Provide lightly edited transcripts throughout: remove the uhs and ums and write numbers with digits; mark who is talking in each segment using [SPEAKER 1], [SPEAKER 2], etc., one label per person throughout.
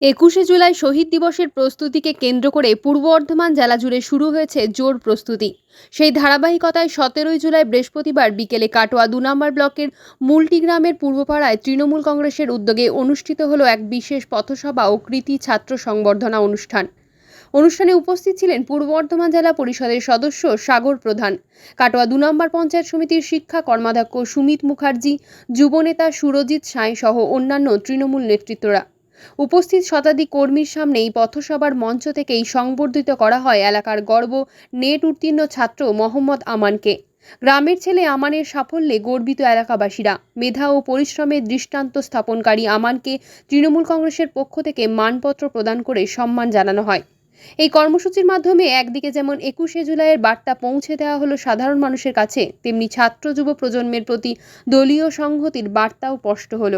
[SPEAKER 1] ২১শে জুলাই শহীদ দিবসের প্রস্তুতিকে কেন্দ্র করে পূর্ব বর্ধমান জেলা জুড়ে শুরু হয়েছে জোর প্রস্তুতি। সেই ধারাবাহিকতায় ১৭ই জুলাই বৃহস্পতিবার বিকেলে কাটোয়া ২ নম্বর ব্লকের মুলটি গ্রামের পূর্বপাড়ায় তৃণমূল কংগ্রেসের উদ্যোগে অনুষ্ঠিত হলো এক বিশেষ পথসভা ও কৃতি ছাত্র সংবর্ধনা অনুষ্ঠান। অনুষ্ঠানে উপস্থিত ছিলেন পূর্ব বর্ধমান জেলা পরিষদের সদস্য সাগর প্রধান, কাটোয়া ২ নম্বর পঞ্চায়েত সমিতির শিক্ষা কর্মাধ্যক্ষ সুমিত মুখার্জি, যুবনেতা সুরজিৎ সাঁই সহ অন্যান্য তৃণমূল নেতৃত্বরা। উপস্থিত শতাধিক কর্মীর সামনে এই পথসভার মঞ্চ থেকেই সংবর্ধিত করা হয় এলাকার গর্ব নেট উত্তীর্ণ ছাত্র মোহাম্মদ আমানকে। গ্রামের ছেলে আমানের সাফল্যে গর্বিত এলাকাবাসীরা। মেধা ও পরিশ্রমের দৃষ্টান্ত স্থাপনকারী আমানকে তৃণমূল কংগ্রেসের পক্ষ থেকে মানপত্র প্রদান করে সম্মান জানানো হয়। এই কর্মসূচির মাধ্যমে একদিকে যেমন ২১শে জুলাইয়ের বার্তা পৌঁছে দেওয়া হলো সাধারণ মানুষের কাছে, তেমনি ছাত্র যুব প্রজন্মের প্রতি দলীয় সংহতির বার্তাও স্পষ্ট হলো।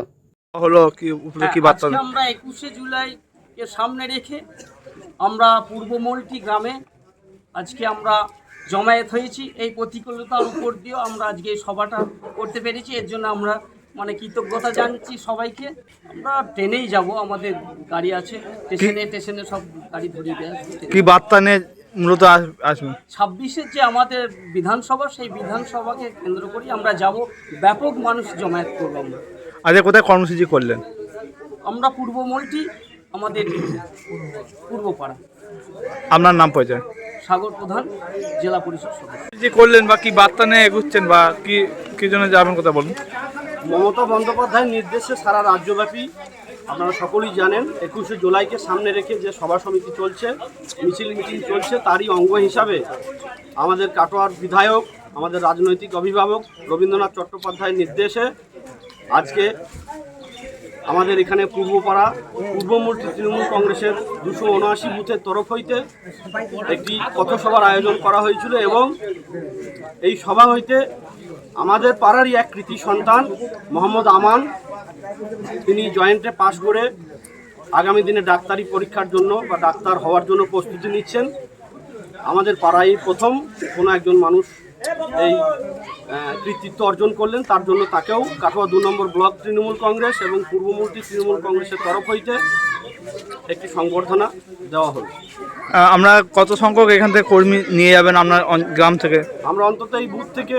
[SPEAKER 2] কি বার্তা? আমরা ২১শে জুলাই এর সামনে রেখে আমরা পূর্ব মলটি গ্রামে আজকে আমরা জমায়েত হয়েছি। এই প্রতিকূলতার উপর দিয়েও আমরা আজকে এই সভাটা করতে পেরেছি। এর জন্য আমরা কৃতজ্ঞতা জানাচ্ছি সবাইকে। আমরা ট্রেনেই যাব, আমাদের গাড়ি আছে, স্টেশনে সব গাড়ি ধরিয়ে দেয়।
[SPEAKER 3] কি বার্তা নিয়ে মূলত আসবে?
[SPEAKER 2] ২৬-এর যে আমাদের বিধানসভা, সেই বিধানসভাকে কেন্দ্র করি আমরা যাব। ব্যাপক মানুষ জমায়েত করবো আমরা।
[SPEAKER 3] আজ কোথায় কর্মসূচি করলেন?
[SPEAKER 2] আমরা পূর্ব মলটি, আমাদের পূর্বপাড়া।
[SPEAKER 3] আপনার নাম পরিচয়?
[SPEAKER 2] সাগর প্রধান, জেলা পরিষদ সদস্য।
[SPEAKER 3] যে করলেন বা কি বার্তা নিয়ে এগুচ্ছেন বা কি জন্য যাবেন, কথা বলুন।
[SPEAKER 4] মমতা বন্দ্যোপাধ্যায়ের নির্দেশে সারা রাজ্যব্যাপী আপনারা সকলেই জানেন ২১শে জুলাইকে সামনে রেখে যে সভা সমিতি চলছে, মিছিল চলছে, তারই অঙ্গ হিসাবে আমাদের কাটোয়ার বিধায়ক, আমাদের রাজনৈতিক অভিভাবক রবীন্দ্রনাথ চট্টোপাধ্যায়ের নির্দেশে আজকে আমাদের এখানে পূর্বপাড়া পূর্বমূর্তি তৃণমূল কংগ্রেসের ২৭৯ বুথের তরফ হইতে একটি পথসভার আয়োজন করা হয়েছিল এবং এই সভা হইতে আমাদের পাড়ারই এক কৃতি সন্তান মোহাম্মদ আমান, তিনি জয়েন্টে পাশ করে আগামী দিনে ডাক্তারি পরীক্ষার জন্য বা ডাক্তার হওয়ার জন্য প্রস্তুতি নিচ্ছেন। আমাদের পাড়ায় প্রথম কোনো একজন মানুষ এই কৃতিত্ব অর্জন করলেন, তার জন্য তাকেও কাটোয়া ২ নম্বর ব্লক তৃণমূল কংগ্রেস এবং পূর্বমূর্তি তৃণমূল কংগ্রেসের তরফ হইতে একটি সংবর্ধনা দেওয়া হলো।
[SPEAKER 3] আমরা কত সংখ্যক এখান থেকে কর্মী নিয়ে যাবেন আপনার গ্রাম থেকে?
[SPEAKER 4] আমরা অন্তত এই বুথ থেকে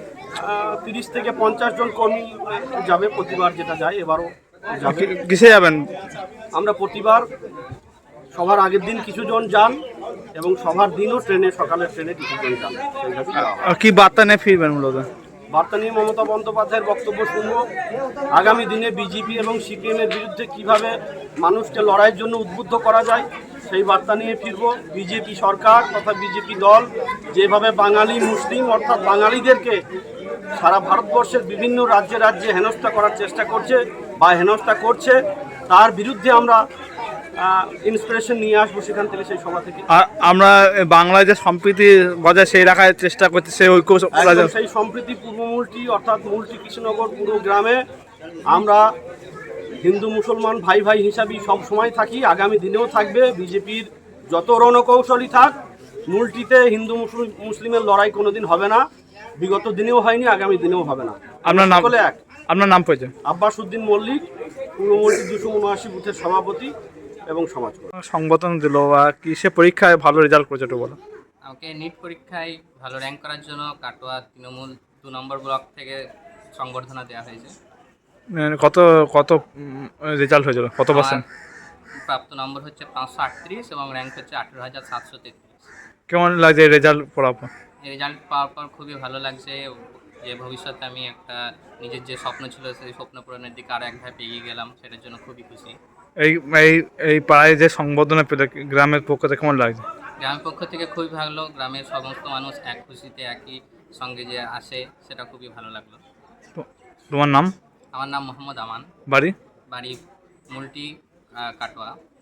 [SPEAKER 4] ৩০ থেকে ৫০ জন কর্মী যাবে, প্রতিবার যেটা যায় এবারও যাবে।
[SPEAKER 3] কিসে যাবেন?
[SPEAKER 4] আমরা প্রতিবার সভার আগের দিন কিছুজন যান এবং সভার দিনও সকালের ট্রেনে কিছুজন যান।
[SPEAKER 3] কি বার্তা নিয়ে ফিরবেন? মূলত
[SPEAKER 4] বার্তা নিয়ে মমতা বন্দ্যোপাধ্যায়ের বক্তব্য শুনব। আগামী দিনে বিজেপি এবং সিপিএমের বিরুদ্ধে কিভাবে মানুষকে লড়াইয়ের জন্য উদ্বুদ্ধ করা যায় সেই বার্তা নিয়ে ফিরব। বিজেপি সরকার তথা বিজেপি দল যেভাবে বাঙালি মুসলিম অর্থাৎ বাঙালিদেরকে সারা ভারতবর্ষের বিভিন্ন রাজ্যে রাজ্যে হেনস্থা করার চেষ্টা করছে বা হেনস্থা করছে, তার বিরুদ্ধে আমরা ইন্সপিরেশন নিয়ে আসবো সেখান থেকে, সেই সভা থেকে।
[SPEAKER 3] আমরা বাংলায় যে সম্প্রীতি বজায় সেই রাখার চেষ্টা করছি, সেই ঐক্য,
[SPEAKER 4] সেই সম্প্রীতি পূর্বমূলটি অর্থাৎ মুলটি কৃষ্ণনগর পুরো গ্রামে আমরা হিন্দু মুসলমান ভাই ভাই হিসাবেই সব সময় থাকি, আগামী দিনেও থাকবে। বিজেপির যত রণকৌশলী থাক, মুলটিতে হিন্দু মুসলিমের লড়াই কোনোদিন হবে না, বিগত দিনেও হয়নি, আগামী দিনেও হবে না।
[SPEAKER 3] আপনার নাম পরিচয়?
[SPEAKER 4] আব্বাস উদ্দিন মল্লিক, পূর্বমূলটি ২৭৯ বুথের সভাপতি এবং সমাজ।
[SPEAKER 3] সংবর্ধনা দিল বা কিসে পরীক্ষায় ভালো রেজাল্ট করেছে একটু বলো।
[SPEAKER 5] আমাকে নিট পরীক্ষায় ভালো র্যাঙ্ক করার জন্য কাটোয়া তৃণমূল ২ নম্বর ব্লক থেকে সংবর্ধনা দেওয়া হয়েছে।
[SPEAKER 3] কত রেজাল্ট হয়েছিল? কত পার্সেন্ট?
[SPEAKER 5] প্রাপ্ত নম্বর হচ্ছে ৫৩৮ এবং র্যাঙ্ক হচ্ছে ১৮,৭৩৩।
[SPEAKER 3] কেমন লাগছে রেজাল্ট পড়ার পর?
[SPEAKER 5] রেজাল্ট পাওয়ার পর খুবই ভালো লাগছে যে ভবিষ্যতে আমি একটা নিজের যে স্বপ্ন ছিল সেই স্বপ্ন পূরণের দিকে আরও এক ধাপ এগিয়ে গেলাম, সেটার জন্য খুবই খুশি।
[SPEAKER 3] এই পাড়ায় যে সংবর্ধনা পেলে গ্রামের পক্ষ থেকে কেমন লাগছে?
[SPEAKER 5] গ্রামের পক্ষ থেকে খুবই ভালো, গ্রামের সমস্ত মানুষ এক খুশিতে একই সঙ্গে যে আসে সেটা খুবই ভালো লাগলো।
[SPEAKER 3] তোমার নাম?
[SPEAKER 5] আমার নাম মোহাম্মদ আমান।
[SPEAKER 3] বাড়ি
[SPEAKER 5] মুলটি, কাটোয়া।